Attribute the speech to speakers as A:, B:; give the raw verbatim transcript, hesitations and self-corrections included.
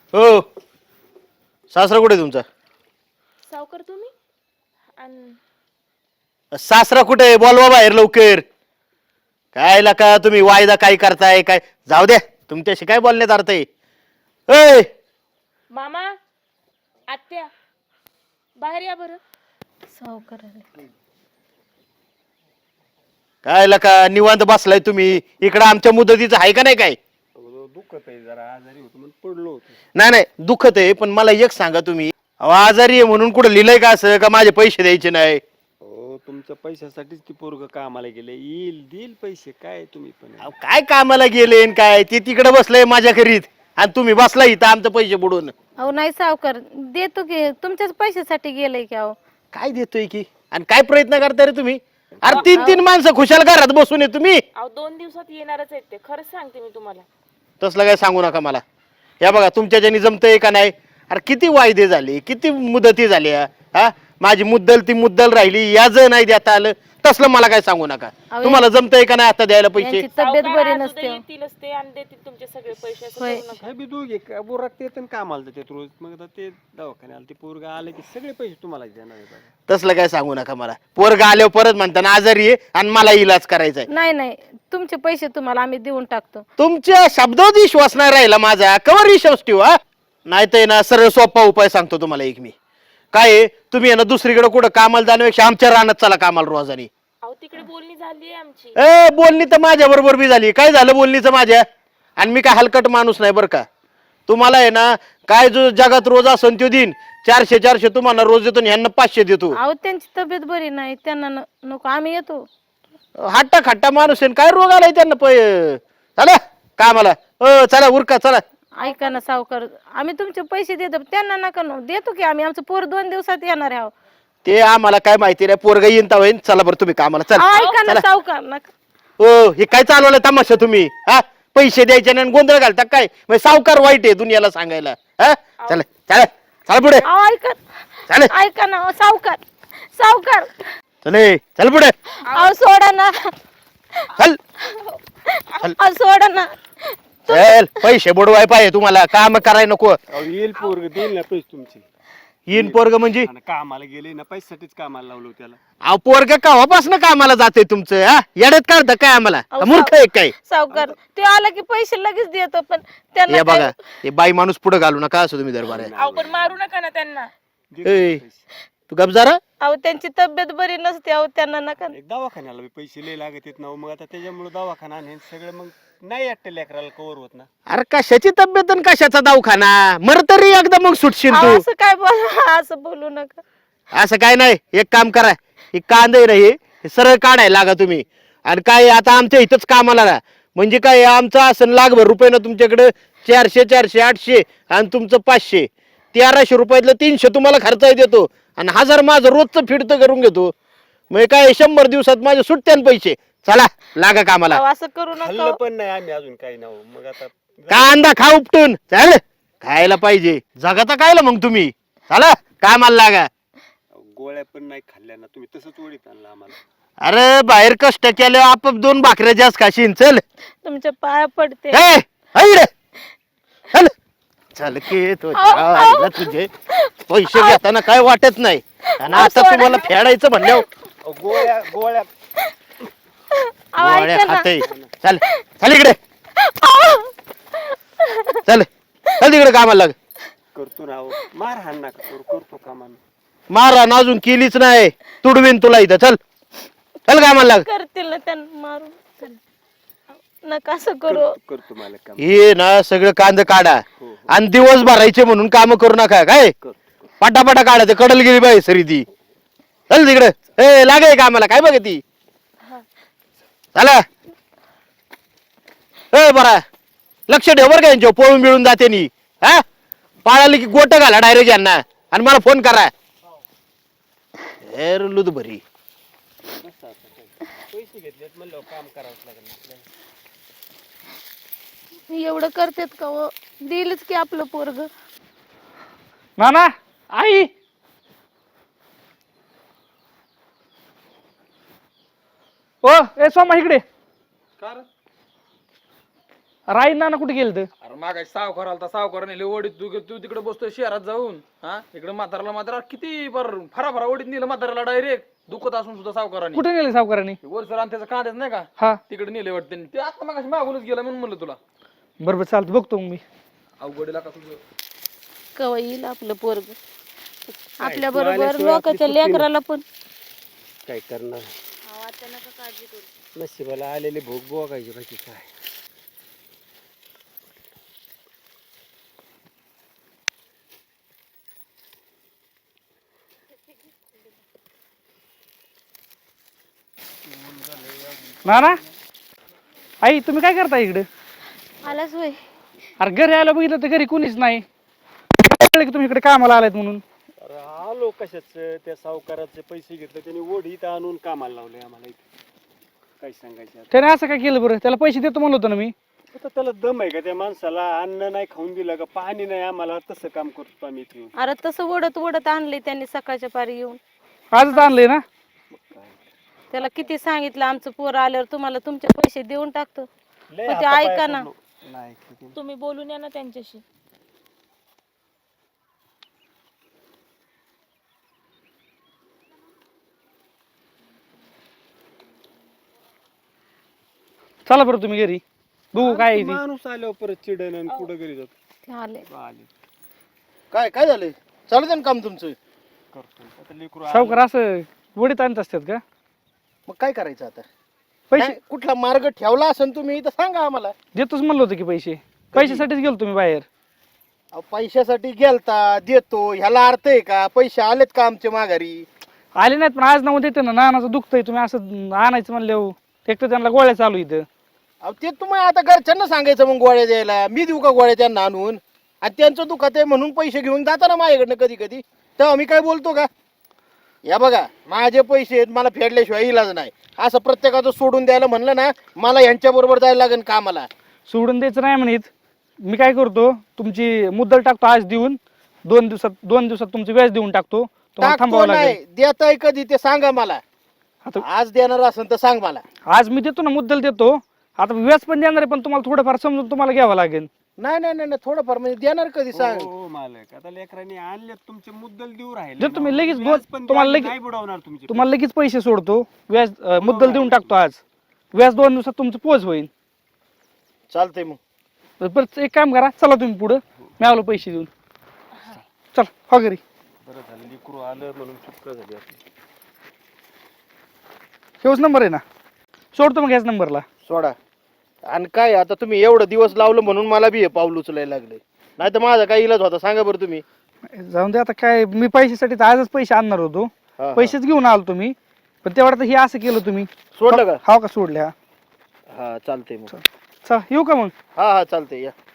A: हो सासरा कुठे तुमचा?
B: सावकार तुम्ही आणि
A: सासरा कुठे? बोलवा बाहेर लवकर. काय लका तुम्ही वायदा काय करताय काय? जाऊ द्या तुमच्याशी काय बोलण्यात अर्थ आहे. ए
B: मामा आत्या बाहेर या बरं.
C: सावकार आले.
A: काय लका निवांत बसलाय तुम्ही इकडं? आमच्या मुदतीचं आहे का नाही काय?
D: दुखत आहे जरा, आजारी होतो म्हणून पडलो होतो.
A: नाही नाही दुखत आहे, पण मला एक सांगा तुम्ही, अहो, आजारी आहे म्हणून कुठं लिहिलंय का असं का माझे पैसे द्यायचे नाही?
D: हो तुमच्या पैशासाठीच ती पोरग कामाला गेले, येईल देईल पैसे, काय तुम्ही पण.
A: अहो, काय कामाला गेले न काय? ते तिकडे बसलंय माझ्या घरीत आणि तुम्ही बसला इथं आमचं पैसे बुडून.
C: अहो नाही सावकार, देतो की तुमच्याच पैशासाठी गेलंय की. अहो
A: काय देतोय की आणि काय प्रयत्न करताय रे तुम्ही? अरे तीन तीन माणसं खुशाल घरात बसून आहे तुम्ही.
B: अहो दोन दिवसात येणारच आहेत ते, खरंच सांगते मी तुम्हाला.
A: तसलं काय सांगू नका मला. या बघा तुमच्या ज्यानी जमतंय का नाही? अरे किती वायदे झाले, किती मुदती झाल्या, हा माझी मुद्दल ती मुद्दल राहिली, याज नाही देता आलं. तसलं मला काय सांगू नका.
C: अहो,
A: तुम्हाला जमतंय का नाही आता द्यायला पैसे?
C: यांची तब्येत
B: सावकार
C: बरी
B: आज
C: नसते.
B: उद्या येतीलच ते आणि देतील तुमचे सगळे पैसे, असं
C: होय.
B: करू नका.
D: हे बी दोघे का बोरात ते पण कामाला जातात रोज, मग आता ते दवाखान्याला ते पोरग आले की सगळे पैसे तुम्हाला देणार आहे बघा.
A: तसलं काय सांगू नका मला. पोरगा आल्यावर परत म्हणताना आजारी आहे आणि मला इलाज करायचा आहे.
C: नाही नाही, तुमचे पैसे तुम्हाला आम्ही देऊन टाकतो.
A: तुमच्या शब्दात विश्वास नाही राहिला माझा. कवर विश्वास ठेवू हा? नाही तर ना सरळ सोपा उपाय सांगतो तुम्हाला एक मी. काय आहे, तुम्ही आहे ना दुसरीकडे कुठं कामाला जाण्यापेक्षा आमच्या रानात चला कामाला रोजानी.
B: अहो तिकडे बोलणी झाली आहे आमची.
A: ए बोलणी तर माझ्या बरोबर बी झाली. काय झालं बोलणीचं माझ्या? आणि मी काय हलकट माणूस नाही बरं का. तुम्हाला आहे ना काय जो जगात रोज असन तो दिन चारशे चारशे तुम्हाला रोज देतो आणि ह्यांना पाचशे देतो.
C: अहो त्यांची तब्येत बरी नाही, त्यांना न- नको, आम्ही येतो.
A: हट्टा खट्टा माणूस आहे. काय रोग आलाय त्यांना? पै चला कामाला. अ चला उरका चला.
C: ऐका ना सावकार, आम्ही तुमचे पैसे देतो, त्यांना नका न- देतो की आम्ही. आमचं पोर दोन दिवसात येणार आहे. अहो.
A: ते आम्हाला काय माहिती नाही. पोरगा येईन ता होईन. चला बरं तुम्ही कामाला चला.
C: अहो, ऐका ना
A: चला.
C: सावकार नका.
A: हो हे काय चालवलं तमाशा तुम्ही? हा पैसे द्यायचे नाही आणि गोंधळ घालता काय? मग सावकार वाईट आहे दुनियाला सांगायला. हा चला चला चला पुढे.
C: अहो ऐका,
A: चल
C: ऐका ना अहो, सावकार सावकार
A: चले चल पुढे
C: अहो सोडा ना.
A: चल
C: अहो सोडा ना.
A: चल. पैसे बुडवाय पाहिजे तुम्हाला, काम कराय नको.
D: अहो येईल पोरग देईल ना पैसे तुमचे.
A: येईन पोरग म्हणजे?
D: आणि कामाला गेले ना, पैशासाठीच कामाला लावलो त्याला.
A: अहो पोरग केव्हापासून कामाला जाते तुमचं? हा येड्यात काढता काय आम्हाला?
C: अहो,
A: मूर्ख आहे काय?
C: सावकार ते आला की पैसे लगेच देतो, पण त्यांना
A: हे बघा
C: काय-
A: हे बाई माणूस पुढे घालू नका असं तुम्ही दरबार आहे.
B: अहो पण मारू नका ना त्यांना.
D: दे
A: ए.
D: पैसे.
A: तू गप जरा.
C: अहो त्यांची तब्येत बरी नसते. अहो त्यांना नका.
D: एक दवाखान्याला बी पैसे लय लागत आहेत ना, मग आता त्याच्यामुळे दवाखाना आणि हे सगळं मग नाही वाटतं लेकराला कवर होत ना.
A: अरे कशाची तब्येत आणि कशाचा दवाखाना? मर तरी एकदा मग सुटशील
C: अहो,
A: तू.
C: असं काय बोल असं बोलू नका.
A: असं काय नाही. एक काम करा, हे कांदे नाही हे सरळ काढायला लागा तुम्ही. आणि काय आता आमच्या इथंच कामाला ना, म्हणजे काय आमचं असं लाखभर रुपये ना तुमच्याकडे चारशे चारशे आठशे आणि तुमचं पाचशे तेराशे रुपयातलं तीनशे तुम्हाला खर्च देतो आणि हजार माझं रोजचं फिरतं करून घेतो. मग काय शंभर दिवसात माझे सुट्ट्यान पैसे. चला लागा कामाला.
C: अहो, असं करू नका.
D: खाल्लं पण नाही आम्ही अजून काही नाव, मग आता
A: कांदा खा उपटून. चल खायला पाहिजे. जगाता कायला मग तुम्ही? चला कामाला लागा.
D: गोळ्या पण नाही खाल्ल्या ना तुम्ही, तसंच ओढीत आणलं आम्हाला.
A: अरे बाहेर कष्ट केले आपाप दोन भाकऱ्या जास्त खाशीन. चल
C: तुमच्या पाया पडते.
A: ए, इकडे. चल चल की तो जायला तुझे पैसे घेताना काय वाटत नाही आणि आता तुम्हाला फेडायचं म्हणल्यावर
D: अहो, गोळ्या गोळ्या
C: अहो,
A: गोळ्या
C: ऐका ना.
A: खाते. चल चल इकडे. चल चल तिकडे कामाला लाग.
D: करतो ना. अहो, मार हाण नका करू, करतो कामान.
A: मारा अजून केलीच नाही. तुडवीन तुला इथं. चल चल कामाला लाग.
C: करतील ना त्यांना मारून. नका असं करू.
D: करतो मला काम.
A: हे ना सगळं कांद काढा
D: हो, हो.
A: आणि दिवस भरायचे म्हणून काम करू नका. काय
D: करतो.
A: पटापटा काढा. ते कडल गेली बाई सरी ती. चल तिकडे. ए लागाय कामाला. काय बघ ती. चला ए बरा लक्ष ठेव बरं का यांच्या पळून मिळून जाते नी. हा पाळाली की गोट घाला डायरेक्ट यांना आणि मला फोन करा. ए लुद भरी.
D: पैसे घेतलेत म्हणलं काम करावंच लागेल आपल्याला.
C: एवढं करतेत का हो? दिलच की आपलं पोरग.
E: नाना आई ओ ए सोमा इकडे.
D: का रे?
E: राई नाना कुठे गेलं तर
F: अरे मागाशी सावकार आलता सावकार नेले ओढीत तू तू तिकडे बसतोय शहरात जाऊन हा इकडे म्हाताराला म्हातारा किती बर फरा फरा ओढीत नेलं म्हाताराला डायरेक्ट दुखत असून सुद्धा सावकाराने
E: कुठे नेले सावकारांनी
F: वरसर आणि त्याचा कांद्याच नाही का
E: हा
F: तिकडे नेले वाटते ते आता मागाशी मागूनच गेला म्हणून म्हणलं तुला
E: बरोबर चालतं बघतो मग मी
F: अवघडीला का तुझं
C: कवा येईल आपलं पोरग आपल्या बरोबर लोकांच्या लेकराला पण
D: काय करणार नशिबाला आलेले भोग बघायचे बाकी काय.
E: नाना आई तुम्ही काय करता इकडे
C: आलाच होय.
E: अरे घरी आलं बघितलं तर घरी कोणीच नाही काय कळलं की तुम्ही इकडे कामाला आलात म्हणून
D: अरे आलो कशाच त्या सावकाराचे पैसे घेतले त्यांनी ओढी इथं आणून कामाला लावले आम्हाला इथे. काय सांगायचं आता.
E: त्याने असं काय केलं बरं त्याला पैसे देतो म्हणलं होतं ना मी
D: आता त्याला दम आहे का त्या माणसाला अन्न नाही खाऊन दिलं का पाणी नाही आम्हाला तसं काम करतो आम्ही इथे येऊन.
C: अरे तसं ओढत ओढत आणले त्यांनी सकाळच्या पारी येऊन.
E: आजच आणलंय ना
C: त्याला किती सांगितलं आमचं पोर आल्यावर तुम्हाला तुमचे पैसे देऊन टाकतो
D: लय
C: पण ते
D: हातापाय
C: ऐका ना.
D: पडलो. नाही ऐकत आहे.
B: तुम्ही बोलून या ना त्यांच्याशी.
E: चला बरं तुम्ही घरी बघू काय आहे ते.
D: माणूस आल्यावर परत चिडण आणि कुठं घरी जातो
C: ते आले
D: आले
A: काय काय झालंय चालू दे ना काम तुमचं.
D: करतो आता लेकरू
E: सावकार असं वडीत आणत असतात का
A: मग काय करायचं आता
E: पैसे
A: काय, कुठला मार्ग ठेवला असेल तुम्ही तर सांगा आम्हाला.
E: देतोच म्हणलं होतं की पैसे पैशासाठीच गेलो तुम्ही बाहेर
A: अहो, पैशासाठी गेलता देतो ह्याला अर्थ आहे का? पैसे आलेत का आमच्या माघारी?
E: आले नाहीत पण आज नाव देते ना नानाचं दुखतंय तुम्ही असं आणायचं म्हणल्यावर एक तर त्यांना गोळ्या चालू इथं
A: अहो ते तुम्ही आता घरच्यांना सांगायचं मग गोळ्या द्यायला. मी देऊ का गोळ्या त्यांना आणून? आणि त्यांचं दुखत आहे म्हणून पैसे घेऊन जाता ना माझ्याकडनं कधी कधी. तेव्हा मी काय बोलतो का? या बघा माझे पैसे आहेत मला फेडल्याशिवाय इलाज नाही. असं प्रत्येकाचं सोडून द्यायला म्हणलं ना मला यांच्या बरोबर जायला लागेल कामाला.
E: सोडून द्यायचं नाही म्हणत मी काय करतो तुमची मुद्दल टाकतो आज देऊन दोन दिवसात दोन दिवसात तुमचं व्याज देऊन टाकतो तुम्हाला
A: टाकतो
E: थांबावं लागेल.
A: नाही देताय कधी ते सांगा मला.
E: आता
A: आज देणार असेल तर सांग मला.
E: आज मी देतो ना मुद्दल देतो आता व्याज पण देणार आहे पण तुम्हाला थोडंफार समजून तुम्हाला घ्यावं लागेल.
A: नाही नाही नाही नाही, थोडंफार म्हणजे देणार कधी सांग.
D: हो मालक आता लेकरांनी आणले तुमचे मुद्दल देऊ राहिले
E: देतो मी
D: ना.
E: लगेच
D: व्याज
E: दोन-
D: पण
E: तुम्हाला
D: द्या,
E: लगेच-
D: नाही बुडवणार तुमचे
E: तुम्हाला लगेच पैसे सोडतो व्याज अं, मुद्दल देऊन टाकतो आज व्याज दोन दिवसात तुमचं पोच होईल.
A: चालतंय मग.
E: तर परत एक काम करा चला तुम्ही पुढं मी आलो पैसे देऊन चल हो घरी.
D: बरं झालं लेकरू आलं म्हणून चुका झाली आपली.
E: हेच नंबर आहे ना सोडतो मग याच नंबरला.
A: सोडा. आणि काय आता तुम्ही एवढं दिवस लावलं म्हणून मला बी हे पाऊल उचलायला लागले. नाही तर माझा काय इलाज होता सांगा बरं तुम्ही.
E: जाऊन दे आता काय मी पैशासाठी तर आजच पैसे आणणार होतो
A: हा,
E: पैसेच घेऊन आलो तुम्ही पण तेवढं तर हे असं केलं तुम्ही
A: सोडलं का?
E: हा का सोडले हा
A: हा चालतंय मग.
E: चल येऊ का मग
A: हा हा चालतंय या.